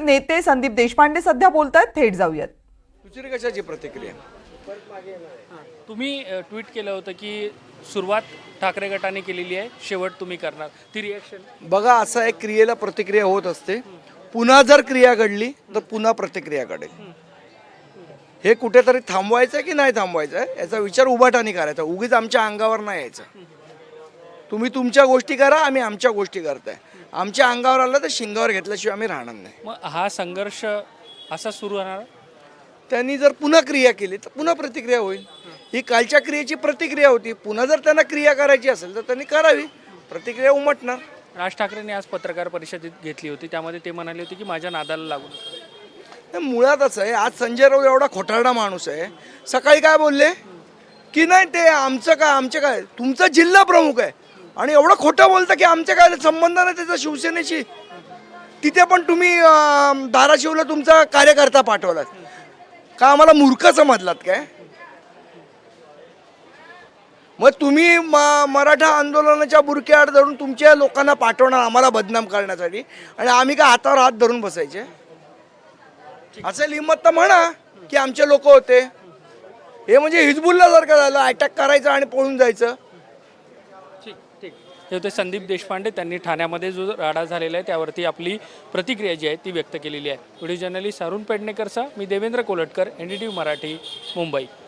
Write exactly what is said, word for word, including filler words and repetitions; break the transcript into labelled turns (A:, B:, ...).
A: नेते संदीप देशपांडे सध्या बोलतायत, थेट जाऊयात.
B: दुसरी कशाची प्रतिक्रिया?
C: तुम्ही ट्विट केलं होतं की सुरुवात ठाकरे गटाने केलेली आहे, शेवट तुम्ही करणार, ती रिॲक्शन?
B: बघा, असं एक क्रियेला प्रतिक्रिया होत असते. पुन्हा जर क्रिया घडली तर पुन्हा प्रतिक्रिया घडेल. हे कुठेतरी थांबवायचं की नाही थांबवायचं आहे याचा विचार उभाटाने करायचा. उगीच आमच्या अंगावर नाही यायचं. तुम्ही तुमच्या गोष्टी करा, आम्ही आमच्या गोष्टी करताय. आमच्या अंगावर आलं तर शिंगावर घेतल्याशिवाय आम्ही राहणार नाही.
C: मग हा संघर्ष असा सुरू राहणार?
B: त्यांनी जर पुन्हा क्रिया केली तर पुन्हा प्रतिक्रिया होईल. ही कालच्या क्रियेची प्रतिक्रिया होती. पुन्हा जर त्यांना क्रिया करायची असेल तर त्यांनी करावी. प्रतिक्रिया उमटणार.
C: राज ठाकरेंनी आज पत्रकार परिषदेत घेतली होती, त्यामध्ये ते म्हणाले होते की माझ्या नादाला लागू नका.
B: मुळातच आहे, आज संजय राऊत एवढा खोटारडा माणूस आहे. सकाळी काय बोलले की नाही ते आमचं काय, आमचे काय, तुमचा जिल्हा प्रमुख आहे आणि एवढं खोटं बोलतं की आमच्या काय संबंध नाही त्याचा शिवसेनेशी. तिथे पण तुम्ही धाराशिवला तुमचा कार्यकर्ता पाठवलात का? आम्हाला मूर्ख समजलात काय? मग तुम्ही मराठा आंदोलनाच्या बुरक्याआड धरून तुमच्या लोकांना पाठवणार आम्हाला बदनाम करण्यासाठी, आणि आम्ही काय हातावर हात धरून बसायचे? असेल हिंमत तर म्हणा की आमचे लोक होते. हे म्हणजे हिजबुल्ला सारखं झालं, अटॅक करायचं आणि पळून जायचं.
C: ठीक ठीक हे होते संदीप देशपांडे. त्यांनी ठाण्यामध्ये जो राडा झालेला आहे त्यावरती आपली प्रतिक्रिया जी आहे ती व्यक्त केलेली आहे. व्हिडिओ जर्नलिस्ट अरुण पेडणेकरचा मी Devendra Kolatkar, N D T V Marathi, Mumbai.